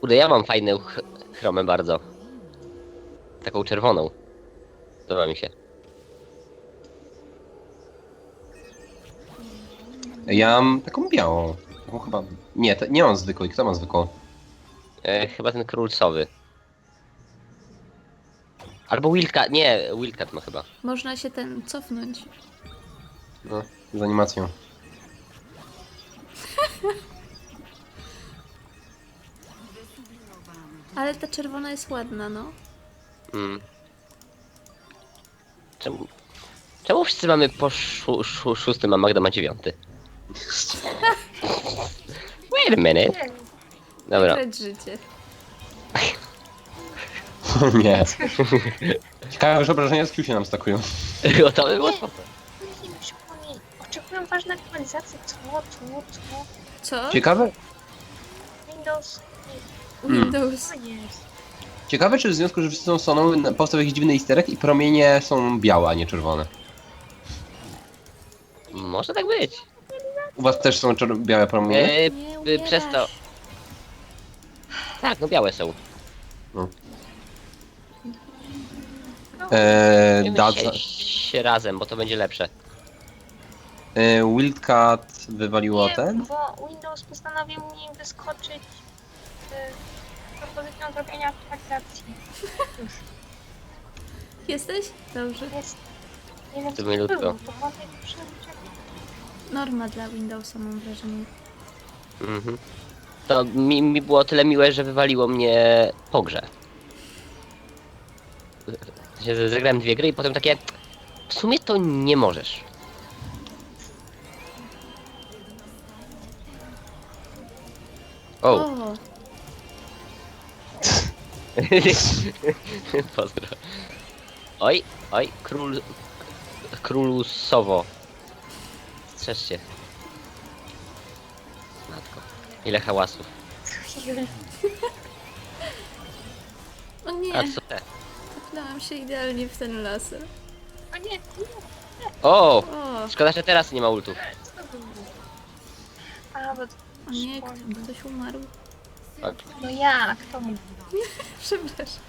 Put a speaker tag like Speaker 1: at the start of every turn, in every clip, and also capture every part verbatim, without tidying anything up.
Speaker 1: Kurde, ja mam fajną ch chromę bardzo. Taką czerwoną. Podoba mi się.
Speaker 2: Ja mam taką białą. Taką chyba... Nie, to, nie mam zwykłej. Kto ma zwykłą?
Speaker 1: E, chyba ten królcowy. Albo Wildcat, nie, Wildcat ma chyba.
Speaker 3: Można się ten cofnąć.
Speaker 2: No, z animacją.
Speaker 3: Ale ta czerwona jest ładna, no.
Speaker 1: Mm. Czemu? Czemu wszyscy mamy po szó szó szóstym, a Magda ma dziewiąty? Wait a minute. Dobra.
Speaker 3: Grać życie.
Speaker 2: Nie. Ciekawe, że obrażenia z Q się nam stakują.
Speaker 1: To by było spoko.
Speaker 4: Nie przypomnij. Oczekuję ważnej aktualizacji. Co, co, co?
Speaker 3: Co?
Speaker 2: Ciekawe,
Speaker 4: Windows.
Speaker 3: Windows.
Speaker 4: Co jest?
Speaker 2: ciekawe czy w związku, że wszyscy są soną, powstał jakiś dziwny easter egg i promienie są białe, a nie czerwone.
Speaker 1: Może tak być.
Speaker 2: U was też są czer- białe promienie?
Speaker 1: E,
Speaker 3: Nie
Speaker 1: y, przez to.
Speaker 3: umierasz.
Speaker 1: Tak, no białe są.
Speaker 2: Eee,
Speaker 1: Wiemy
Speaker 2: Dadza,
Speaker 1: się razem, bo to będzie lepsze.
Speaker 2: eee, Wildcat wywaliło
Speaker 4: Nie,
Speaker 2: ten?
Speaker 4: bo Windows postanowił mi wyskoczyć z propozycją zrobienia aktualizacji. Już.
Speaker 3: Jesteś? Dobrze.
Speaker 4: Jest. Nie wiem,
Speaker 1: To
Speaker 4: co
Speaker 1: milutko.
Speaker 4: to było. To była najlepsza rzecz.
Speaker 3: Norma dla Windowsa, mam wrażenie.
Speaker 1: Mhm. To mi, mi było tyle miłe, że wywaliło mnie po grze. W sensie, Zagrałem dwie gry i potem takie... W sumie to nie możesz. O!
Speaker 3: O,
Speaker 1: Pozdro. Oj, oj, król... Królu Sowo. Strzeż się. Matko. Ile hałasów.
Speaker 3: o nie,
Speaker 1: A co te?
Speaker 3: trafnęłam się idealnie w ten laser.
Speaker 4: O nie, nie.
Speaker 1: O!
Speaker 3: O,
Speaker 1: Szkoda, że teraz nie ma ultów.
Speaker 4: Co to było? A, bo to...
Speaker 3: o nie, kto- ktoś umarł.
Speaker 1: Tak.
Speaker 4: No jak? To mówi.
Speaker 3: Przepraszam.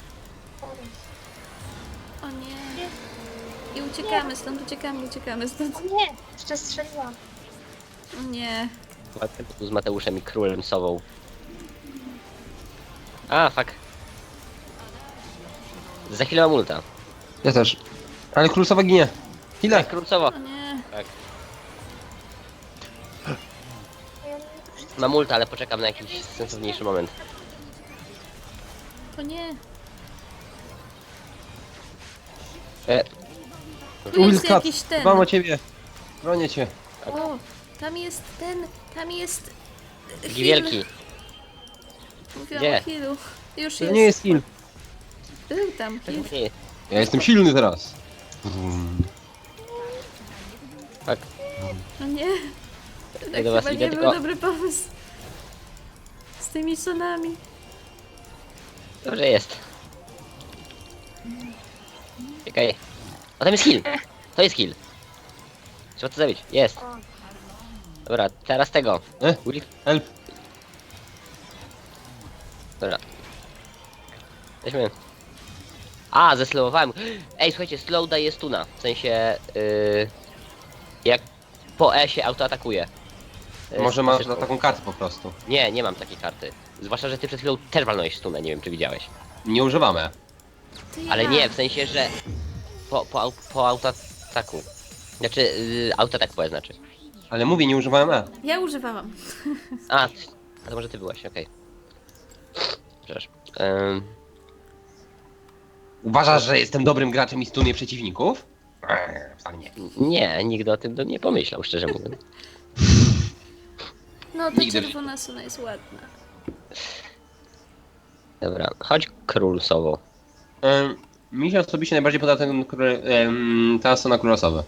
Speaker 3: O nie. I uciekamy stąd, uciekamy, uciekamy stąd.
Speaker 4: O nie, jeszcze strzeliłam.
Speaker 3: O nie.
Speaker 1: Ładny tu z Mateuszem i królem Sową. A, fuck. Za chwilę mam ulta.
Speaker 2: Ja też. Ale królowa ginie. Ile?
Speaker 1: Tak, król Sowo.
Speaker 3: O nie.
Speaker 1: Tak.
Speaker 4: Ja nie-
Speaker 1: Mam ulta, ale poczekam na jakiś sensowniejszy moment.
Speaker 3: O nie.
Speaker 1: E,
Speaker 3: Tu jest
Speaker 2: Wildcat,
Speaker 3: jakiś ten.
Speaker 2: dbam o ciebie. Bronię cię.
Speaker 3: O, tam jest ten, tam jest...
Speaker 1: taki
Speaker 3: Heal.
Speaker 1: wielki.
Speaker 3: Mówiłam
Speaker 1: Gdzie?
Speaker 3: o healu. Już
Speaker 2: To
Speaker 3: jest.
Speaker 2: nie jest heal.
Speaker 3: Był tam heal.
Speaker 1: Nie,
Speaker 2: Ja jestem silny teraz. Brum.
Speaker 1: fuck.
Speaker 3: O nie. Tak
Speaker 1: do was
Speaker 3: chyba
Speaker 1: idę,
Speaker 3: nie był
Speaker 1: tylko-
Speaker 3: dobry pomysł. Z tymi sonami.
Speaker 1: Dobrze jest. Czekaj. O, tam jest heal. To jest heal. Trzeba to zabić. Jest.
Speaker 4: O,
Speaker 1: Dobra, teraz tego.
Speaker 2: E?
Speaker 1: Will-
Speaker 2: Help.
Speaker 1: Dobra. Weźmy. A, zeslowowałem. Ej, słuchajcie, slow daje stuna. W sensie, yy, jak po E się autoatakuje. Yy,
Speaker 2: Może masz
Speaker 1: pasywką.
Speaker 2: taką kartę po prostu.
Speaker 1: Nie, nie mam takiej karty. Zwłaszcza, że ty przed chwilą też walnąłeś stunę, nie wiem czy widziałeś.
Speaker 2: Nie używamy.
Speaker 3: To ja.
Speaker 1: Ale nie, w sensie, że po, po, au- po autoataku. Znaczy, yy, autoatak po E znaczy.
Speaker 2: Ale mówię, nie używałem E.
Speaker 3: Ja używałam.
Speaker 1: A, a to może ty byłaś, okej. Przepraszam. Ym,
Speaker 2: Uważasz, że jestem dobrym graczem i stunie przeciwników? Eee, wcale nie.
Speaker 1: nie, nigdy o tym bym nie pomyślał, szczerze mówiąc.
Speaker 3: No ta
Speaker 2: Nigdy w
Speaker 3: czerwona sona jest ładna.
Speaker 1: Dobra, chodź król Sowo.
Speaker 2: Ehm, mi się osobiście najbardziej podoba ten, król- em, ta strona królosowa.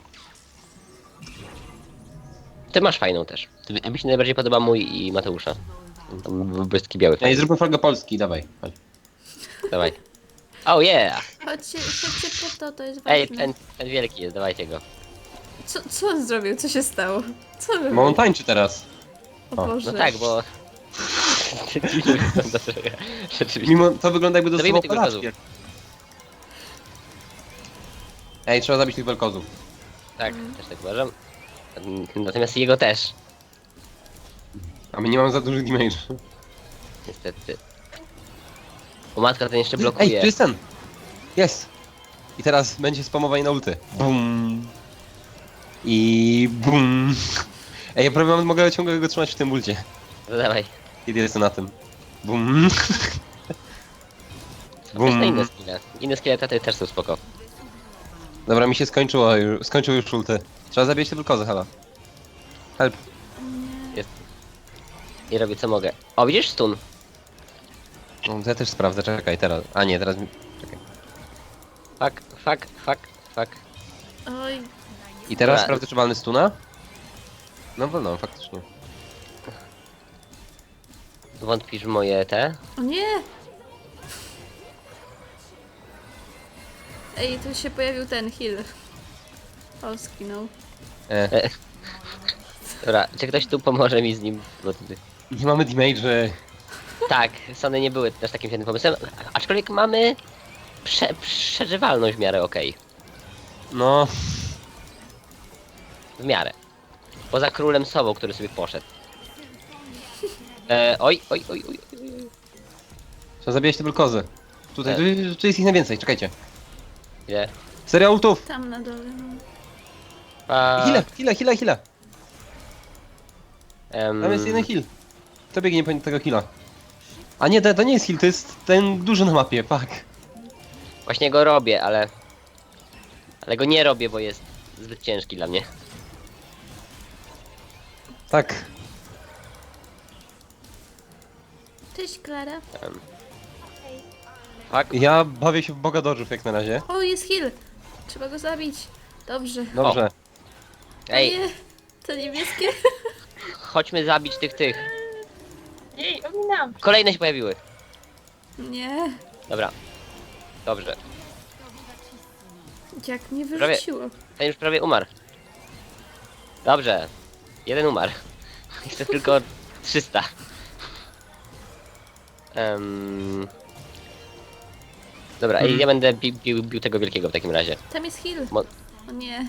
Speaker 1: Ty masz fajną też. Ty- Mi się najbardziej podoba mój i Mateusza. Tam błyski biały.
Speaker 2: Ej, zróbmy flagę Polski, dawaj. Chodź.
Speaker 1: Dawaj. Oh yeah!
Speaker 3: Chodźcie, chodźcie po to, to jest ważne.
Speaker 1: Ej, ten, ten wielki jest, dawajcie go.
Speaker 3: Co, co on zrobił? Co się stało? Co
Speaker 2: Bo
Speaker 3: robił?
Speaker 2: on tańczy teraz.
Speaker 3: O
Speaker 2: o,
Speaker 3: Boże.
Speaker 1: No tak, bo... Dziwnie wygląda trochę. Rzeczywiście.
Speaker 2: Mimo to wygląda jakby
Speaker 1: Zabijmy
Speaker 2: dostawał
Speaker 1: tych
Speaker 2: porażki. Ej, trzeba zabić tych belkozów.
Speaker 1: Tak, też tak uważam. Natomiast jego też.
Speaker 2: A my nie mamy za dużych damage.
Speaker 1: Niestety. O matka, ten jeszcze
Speaker 2: Ej,
Speaker 1: blokuje.
Speaker 2: tu jest ten! Jest! I teraz będzie spamowanie na ulty. Bum! I bum! Ej, ja prawie mam- mogę ciągle go trzymać w tym ulcie.
Speaker 1: No dawaj.
Speaker 2: Kiedy jestem na tym. Bum!
Speaker 1: Bum.
Speaker 2: Bum.
Speaker 1: na inne skille. Inne skille te też są spoko.
Speaker 2: Dobra, mi się skończyło już, skończył już ulty. Trzeba zabijać te bulkozy chyba. Help.
Speaker 1: Jest. I robię co mogę. O, widzisz stun?
Speaker 2: No, to ja też sprawdzę, czekaj teraz. A nie, teraz mi... Czekaj.
Speaker 1: Fuck, fuck, fuck, fuck.
Speaker 3: Oj,
Speaker 2: I teraz
Speaker 1: Dobra.
Speaker 2: sprawdzę, czy walny stuna? No wolno, faktycznie.
Speaker 1: Wątpisz w moje te?
Speaker 3: o nie! Ej, tu się pojawił ten heal. O, skinął.
Speaker 2: E,
Speaker 1: E. Dobra, czy ktoś tu pomoże mi z nim? Bo ty...
Speaker 2: nie mamy damage.
Speaker 1: Tak, Sony nie były też takim świetnym pomysłem, aczkolwiek mamy prze przeżywalność w miarę okej.
Speaker 2: No...
Speaker 1: W miarę. Poza królem sobą, który sobie poszedł. E, oj, oj, oj, oj, oj.
Speaker 2: Trzeba zabijać te bulkozy. Tutaj,
Speaker 1: E.
Speaker 2: tu, tu jest ich najwięcej, czekajcie.
Speaker 1: Gdzie?
Speaker 2: Seria ultów!
Speaker 3: Tam na dole, no.
Speaker 1: A,
Speaker 2: Hile, hile, hile, hile!
Speaker 1: em,
Speaker 2: Tam jest jeden heal. To biegnie po tego heala. A nie, to, to nie jest heal, to jest ten duży na mapie, fuck.
Speaker 1: Właśnie go robię, ale... Ale go nie robię, bo jest zbyt ciężki dla mnie.
Speaker 2: Tak.
Speaker 3: Cześć, Klara.
Speaker 1: Em,
Speaker 4: Okej.
Speaker 1: fuck.
Speaker 2: Ja bawię się w boga dodżów jak na razie.
Speaker 3: O, jest heal! Trzeba go zabić. Dobrze.
Speaker 2: Dobrze.
Speaker 3: O
Speaker 1: Ej,
Speaker 3: nie! To niebieskie.
Speaker 1: chodźmy zabić tych, tych.
Speaker 4: Jej, ominęłam.
Speaker 1: Kolejne się pojawiły.
Speaker 3: Nie.
Speaker 1: Dobra. Dobrze.
Speaker 3: Jak mnie
Speaker 1: Prawie-
Speaker 3: wyrzuciło.
Speaker 1: Ten już prawie umarł. Dobrze. Jeden umarł. Jeszcze tylko trzysta. Um... Dobra, ej,
Speaker 2: Mhm.
Speaker 1: ja będę bi bił, bił tego wielkiego w takim razie.
Speaker 3: Tam jest heal.
Speaker 1: Mo
Speaker 3: O nie.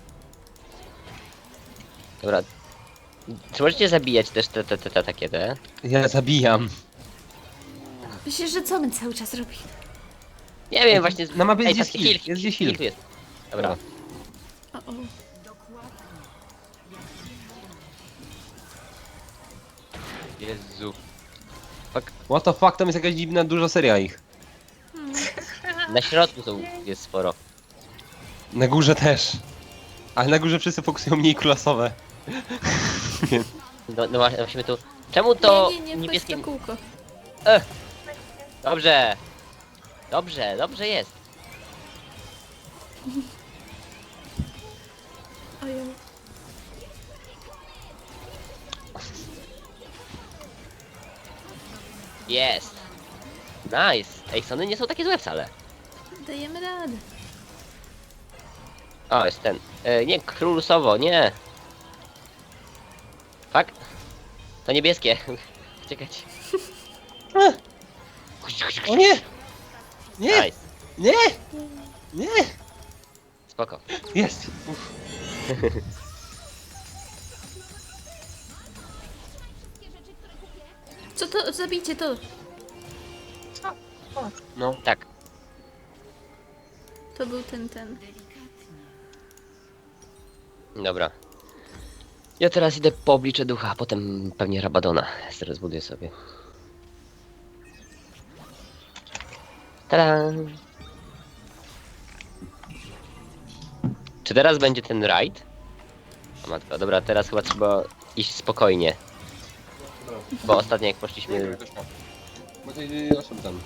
Speaker 1: Dobra. Czy możecie zabijać też te, te, te, te takie te?
Speaker 2: Ja zabijam.
Speaker 3: Myślisz, że co my cały czas robimy?
Speaker 1: Nie wiem, właśnie...
Speaker 2: Na mapie jest
Speaker 1: Ej,
Speaker 2: gdzieś
Speaker 1: patrzcie,
Speaker 2: heal, jest gdzieś heal.
Speaker 1: tu jest. Dobra.
Speaker 3: O, o.
Speaker 1: Jezu.
Speaker 2: What the fuck, tam jest jakaś dziwna, duża seria ich.
Speaker 1: Na środku są, jest sporo.
Speaker 2: Na górze też. Ale na górze wszyscy fokusują mniej klasowe.
Speaker 1: No, no właśnie, musimy tu... Czemu to
Speaker 3: nie, nie, nie,
Speaker 1: niebieskie...
Speaker 3: niebieskie kółko.
Speaker 1: Dobrze. Dobrze, dobrze jest.
Speaker 3: Ojej.
Speaker 1: Jest. Nice. Ej, Sony nie są takie złe wcale.
Speaker 3: Dajemy radę.
Speaker 1: O, jest ten. E, nie, król sowo, nie. Fuck. To niebieskie. Czekać.
Speaker 2: O nie! Nie!
Speaker 1: Nice.
Speaker 2: Nie! Nie!
Speaker 1: Spoko.
Speaker 2: Jest! Uf.
Speaker 3: Co to? Zabijcie to.
Speaker 4: Co? O,
Speaker 2: No.
Speaker 1: Tak.
Speaker 3: To był ten, ten.
Speaker 1: Dobra. Ja teraz idę po oblicze ducha, a potem pewnie Rabadona. Zaraz buduję sobie. Tada! Czy teraz będzie ten raid? O matko, dobra, teraz chyba trzeba iść spokojnie. Bo ostatnio jak poszliśmy...
Speaker 2: Bo tej osoby tam.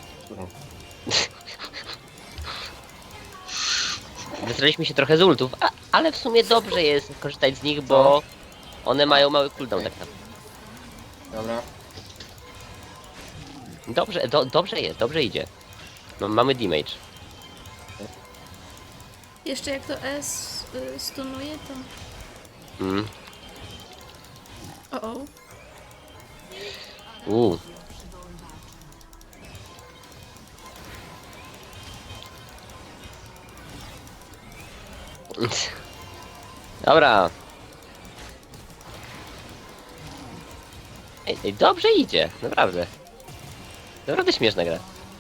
Speaker 1: Wysraliśmy się trochę z ultów, a, ale w sumie dobrze jest korzystać z nich, bo one mają mały cooldown tak naprawdę.
Speaker 2: Dobra.
Speaker 1: Dobrze, do, dobrze jest, dobrze idzie. No, mamy damage.
Speaker 3: Jeszcze jak to S y, stunuje, to...
Speaker 1: Mm.
Speaker 3: O, o.
Speaker 1: Uuu. Dobra. Ej, ej, dobrze idzie, naprawdę. Naprawdę śmieszna gra.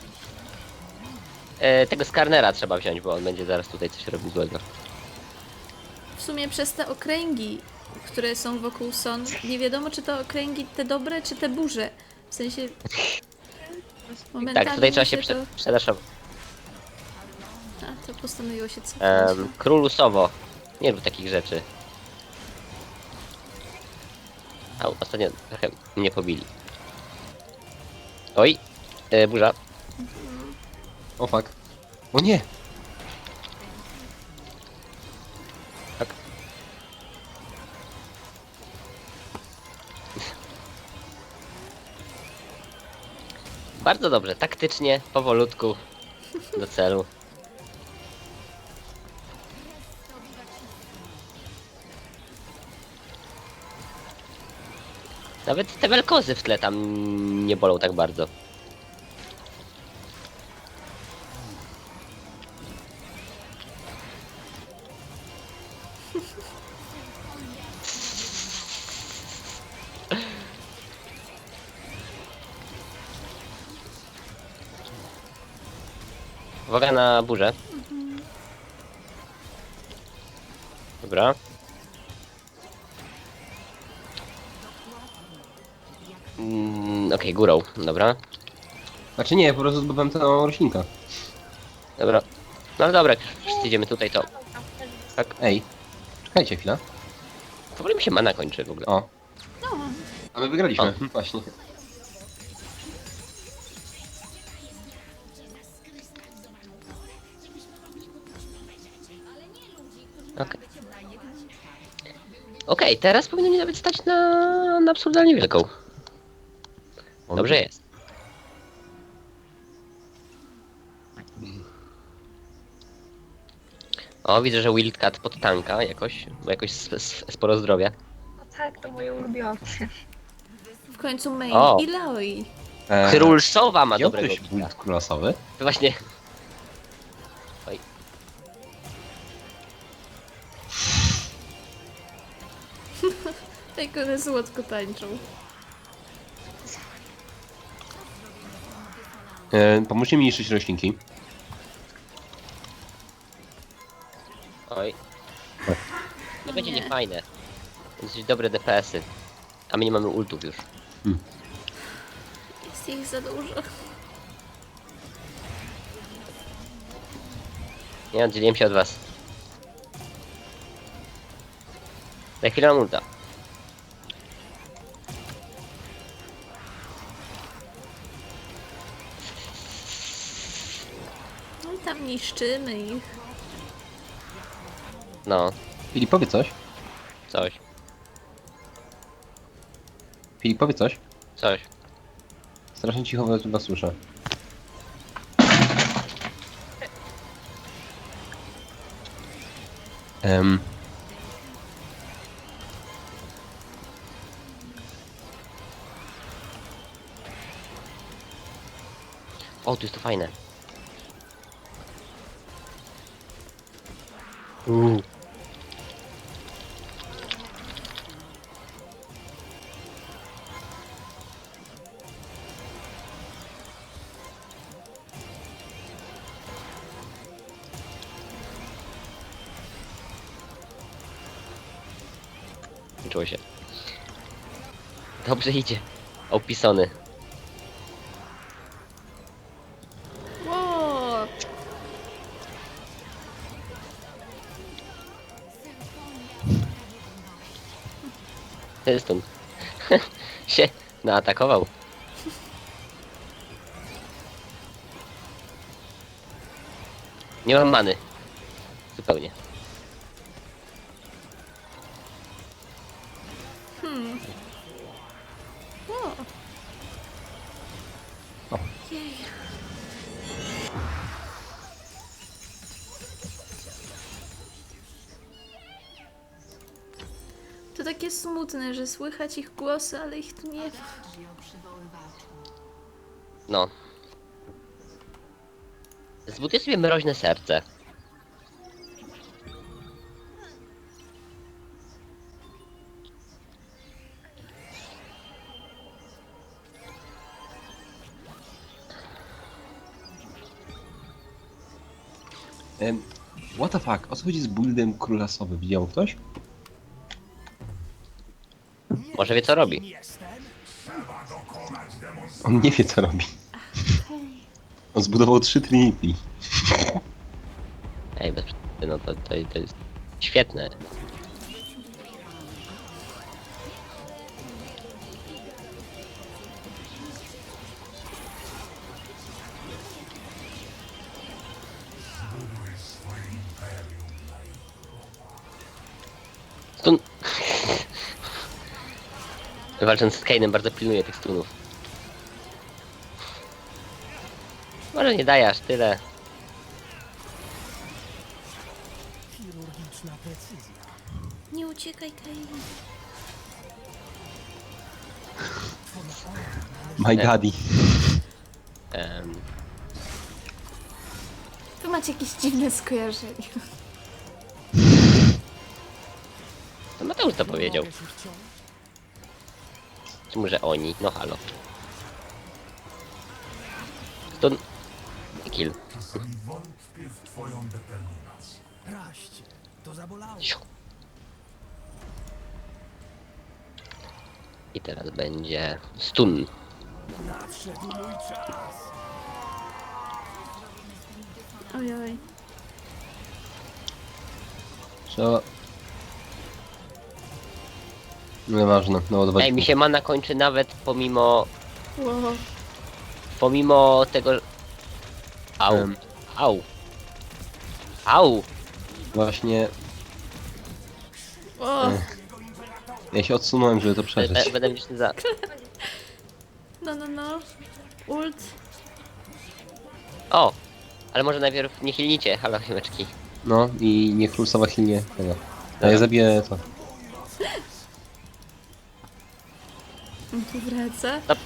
Speaker 1: E, tego Skarnera trzeba wziąć, bo on będzie zaraz tutaj coś robił złego.
Speaker 3: W sumie przez te okręgi, które są wokół Son, nie wiadomo czy to okręgi te dobre, czy te burze. W sensie... Momentami
Speaker 1: Tak, tutaj trzeba się
Speaker 3: mi
Speaker 1: prze
Speaker 3: to...
Speaker 1: przedaszować.
Speaker 3: A, to postanowiło się cofnąć.
Speaker 1: Um, Królu Sowo. Nie rób takich rzeczy. Au, ostatnio trochę mnie pobili. Oj, e, burza.
Speaker 2: O fuck. O nie!
Speaker 1: Tak. Bardzo dobrze, taktycznie, powolutku, do celu. Nawet te welkozy w tle tam nie bolą tak bardzo. Uwaga na burzę. Dobra. Mm, Okej, górą, dobra.
Speaker 2: Znaczy nie, po prostu zdobyłem tę roślinkę.
Speaker 1: Dobra. No ale dobra, jak już wszyscy idziemy tutaj, to
Speaker 2: Tak, ej. Czekajcie chwilę.
Speaker 1: w ogóle mi się mana kończy w ogóle.
Speaker 2: O.
Speaker 3: No,
Speaker 2: A my wygraliśmy.
Speaker 1: O.
Speaker 2: Właśnie.
Speaker 1: Okej. Okej, teraz powinno mnie nawet stać na, na absurdalnie wielką. Dobrze jest. O, widzę, że Wildcat pod tanka jakoś, bo jakoś s- s- sporo zdrowia.
Speaker 4: No tak, to moje ulubione.
Speaker 3: w końcu Main
Speaker 1: O.
Speaker 3: i Laoi.
Speaker 2: Eee,
Speaker 1: Król Sowa ma
Speaker 2: wziął
Speaker 1: dobrego
Speaker 2: ktoś
Speaker 1: pika.
Speaker 2: bunt królosowy?
Speaker 1: Właśnie. Oj.
Speaker 3: Jak one słodko tańczą.
Speaker 2: Eee, pomóżcie mi niszczyć roślinki.
Speaker 1: Oj. To będzie
Speaker 3: nie.
Speaker 1: niefajne. Dosyć dobre D P S-y. A my nie mamy ultów już.
Speaker 3: Jest ich za dużo.
Speaker 1: Nie oddzieliłem się od was. Za chwilę mam ulta.
Speaker 3: No i tam niszczymy ich.
Speaker 1: No,
Speaker 2: Filip, powie coś.
Speaker 1: coś,
Speaker 2: Filip, powie coś.
Speaker 1: coś.
Speaker 2: Strasznie cicho was was słyszę. Em,
Speaker 1: O, tu jest to fajne.
Speaker 2: Uuu.
Speaker 1: Czuło się. Dobrze idzie. Opisony.
Speaker 3: Ło!
Speaker 1: Stąd. się naatakował. Nie mam many. Zupełnie.
Speaker 3: Hmm. O!
Speaker 2: O.
Speaker 3: Jej. To takie smutne, że słychać ich głosy, ale ich tu nie ma.
Speaker 1: No. Zbuduję sobie mroźne serce.
Speaker 2: Em, what the fuck? O co chodzi z buildem króla sowy? Widział ktoś?
Speaker 1: Może wie co robi.
Speaker 2: On nie wie co robi. On zbudował trzy Trinity.
Speaker 1: Ej, bez przesady, no to, to, to jest świetne. Stun... Walcząc z Kane'em bardzo pilnuję tych stunów. Może nie daje aż tyle.
Speaker 3: Nie uciekaj, Kain.
Speaker 2: My daddy.
Speaker 1: Em,
Speaker 3: Tu macie jakieś dziwne skojarzenia.
Speaker 1: to Mateusz to powiedział. Czy może oni? No halo. Stun... Kill.
Speaker 5: Wątpię w twoją determinację.
Speaker 6: Raść, to zabolało.
Speaker 1: Siu. I teraz będzie stun.
Speaker 6: Nadszedł mój czas.
Speaker 3: Ojoj.
Speaker 2: Trzeba... Nieważne, no odwodź.
Speaker 1: Ej, mi się mana kończy nawet pomimo...
Speaker 3: Wow.
Speaker 1: Pomimo tego... Au.
Speaker 2: Em.
Speaker 1: Au. Au.
Speaker 2: Właśnie...
Speaker 3: O,
Speaker 2: Ja się odsunąłem, żeby to
Speaker 1: Be-
Speaker 2: przeżyć.
Speaker 1: Będę wdzięczny za...
Speaker 3: no, no, no. Ult.
Speaker 1: O! Ale może najpierw nie chilnicie, halo chimeczki.
Speaker 2: No i niech król sowa chilnie tego. A ja zabiję to.
Speaker 3: On tu wraca.
Speaker 1: Stop.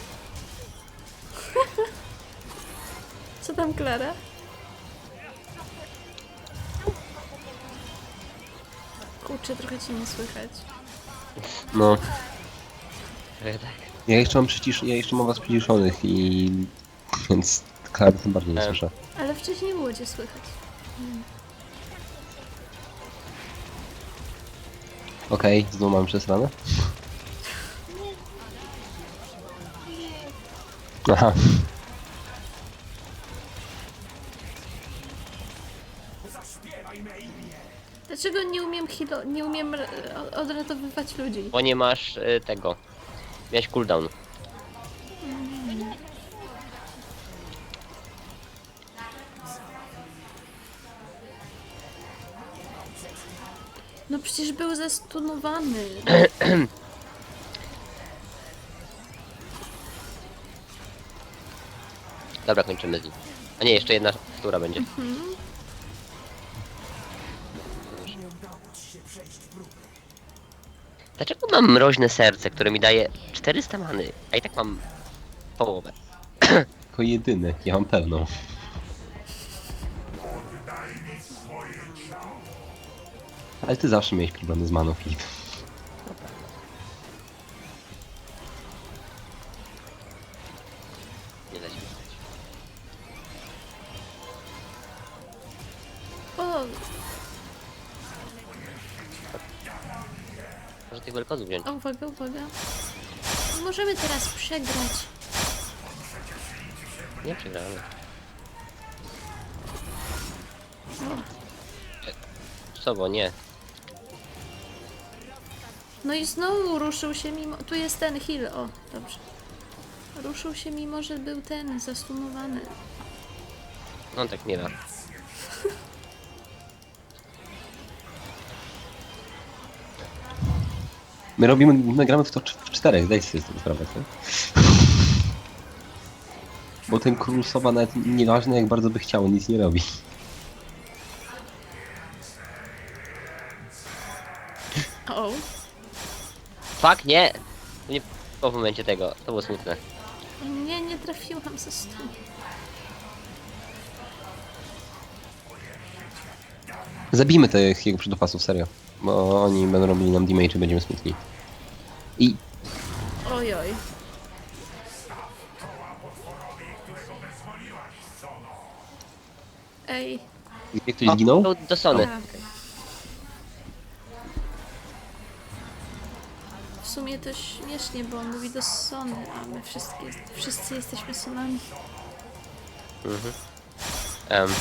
Speaker 3: Co tam, Klara? Kurczę, trochę cię nie słychać.
Speaker 2: No.
Speaker 1: Trochę tak.
Speaker 2: Ja jeszcze mam przycisz... Ja jeszcze mam was przyciszonych i... Więc Klary tym bardziej nie
Speaker 1: Em.
Speaker 2: słyszę.
Speaker 3: Ale wcześniej było cię słychać.
Speaker 2: Okej, znowu mam przesrane. Aha.
Speaker 3: Dlaczego nie umiem hilo... nie umiem r- odratowywać ludzi?
Speaker 1: Bo nie masz y, tego. Miałeś cooldown.
Speaker 3: No przecież był zastunowany.
Speaker 1: Dobra, kończymy z nim. A nie, jeszcze jedna która będzie. Dlaczego mam mroźne serce, które mi daje czterysta many, a i tak mam połowę?
Speaker 2: Tylko jedyny, ja mam pewną. Ale ty zawsze miałeś problemy z maną, Filip.
Speaker 1: Nie da się wygrać.
Speaker 3: O,
Speaker 1: Może tych wielkozów wziąć.
Speaker 3: o, uwaga, uwaga. Możemy teraz przegrać.
Speaker 1: Nie przegramy. Co, bo nie.
Speaker 3: No i znowu ruszył się mimo... Tu jest ten heal, o, dobrze. Ruszył się mimo, że był ten zastunowany.
Speaker 1: No tak nie da.
Speaker 2: My robimy, my gramy w to cz- w czterech, daj sobie z tego sprawę, tak? Bo ten król sowa nawet nieważne jak bardzo by chciał, nic nie robi.
Speaker 3: O,
Speaker 1: Fuck, nie! To nie po momencie tego, to było smutne.
Speaker 3: nie, nie trafiłam ze stu.
Speaker 2: Zabijmy tych jego przydopasów, serio. Bo oni będą robili nam damage i będziemy smutni. I
Speaker 3: Ojoj. Ej,
Speaker 2: Gdzie ktoś zginął?
Speaker 1: Do, do Sony.
Speaker 3: A, okej. W sumie to śmiesznie, bo on mówi do Sony, a my wszystkie, wszyscy jesteśmy Sonami.
Speaker 1: Em,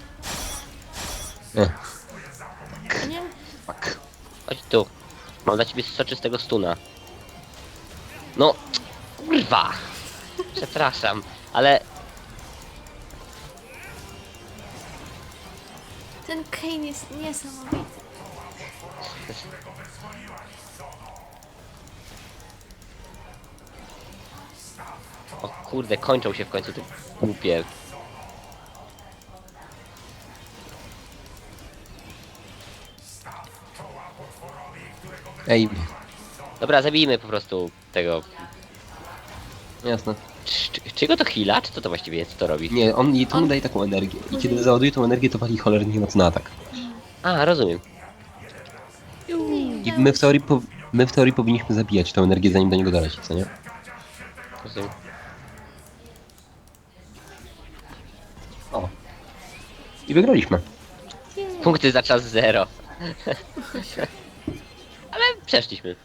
Speaker 2: E,
Speaker 3: Nie?
Speaker 2: fuck.
Speaker 1: chodź tu. Mam dla ciebie soczystego stuna. No, kurwa. Przepraszam, ale
Speaker 3: Ten Kane jest niesamowity.
Speaker 1: o kurde, kończą się w końcu te głupie.
Speaker 2: Ej,
Speaker 1: Dobra, zabijmy po prostu tego.
Speaker 2: jasne.
Speaker 1: Czy, czy, czy go to heala? Czy co to właściwie jest, co to robi?
Speaker 2: Nie, on i to mu
Speaker 3: On-
Speaker 2: daje taką energię. I kiedy załaduje tą energię, to wali cholernie mocno na atak.
Speaker 1: A, rozumiem.
Speaker 2: I my w teorii, po, my w teorii powinniśmy zabijać tą energię, zanim do niego doleci, co nie?
Speaker 1: rozumiem.
Speaker 2: O. I wygraliśmy.
Speaker 1: Punkty za czas zero. Ale przeszliśmy.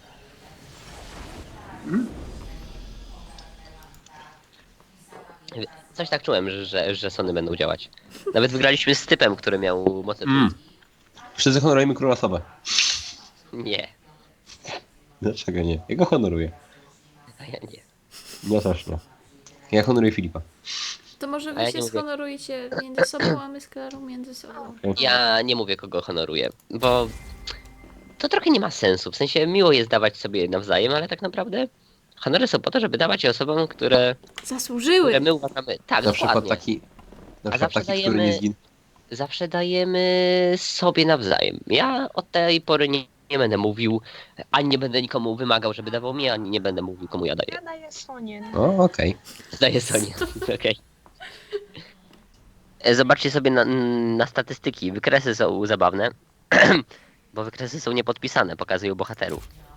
Speaker 1: Coś tak czułem, że, że, że Sony będą działać. Nawet wygraliśmy z typem, który miał moce.
Speaker 2: Mm. Wszyscy honorujemy króla Sobę.
Speaker 1: Nie,
Speaker 2: Dlaczego nie? Ja go honoruję.
Speaker 1: a ja nie.
Speaker 2: Ja też nie. Ja honoruję Filipa.
Speaker 3: To może
Speaker 1: A
Speaker 3: wy
Speaker 1: ja
Speaker 3: się
Speaker 1: nie mówię.
Speaker 3: shonorujecie między sobą, a my z Klarą między sobą.
Speaker 1: Ja nie mówię, kogo honoruję, bo to trochę nie ma sensu. W sensie miło jest dawać sobie nawzajem, ale tak naprawdę honory są po to, żeby dawać je osobom, które,
Speaker 3: Zasłużyły!
Speaker 1: które my uważamy. Tak,
Speaker 2: Na przykład
Speaker 1: dokładnie.
Speaker 2: taki... Na
Speaker 1: A
Speaker 2: przykład
Speaker 1: zawsze
Speaker 2: taki, który nie
Speaker 1: dajemy-
Speaker 2: zginął.
Speaker 1: Zawsze dajemy sobie nawzajem. Ja od tej pory nie, nie będę mówił, ani nie będę nikomu wymagał, żeby dawał mi, ani nie będę mówił, komu ja daję.
Speaker 4: Ja daję Sonię.
Speaker 2: O, okej.
Speaker 1: Daję Sonia. Okej. E, Zobaczcie sobie na, na statystyki. Wykresy są zabawne, bo wykresy są niepodpisane, pokazują bohaterów.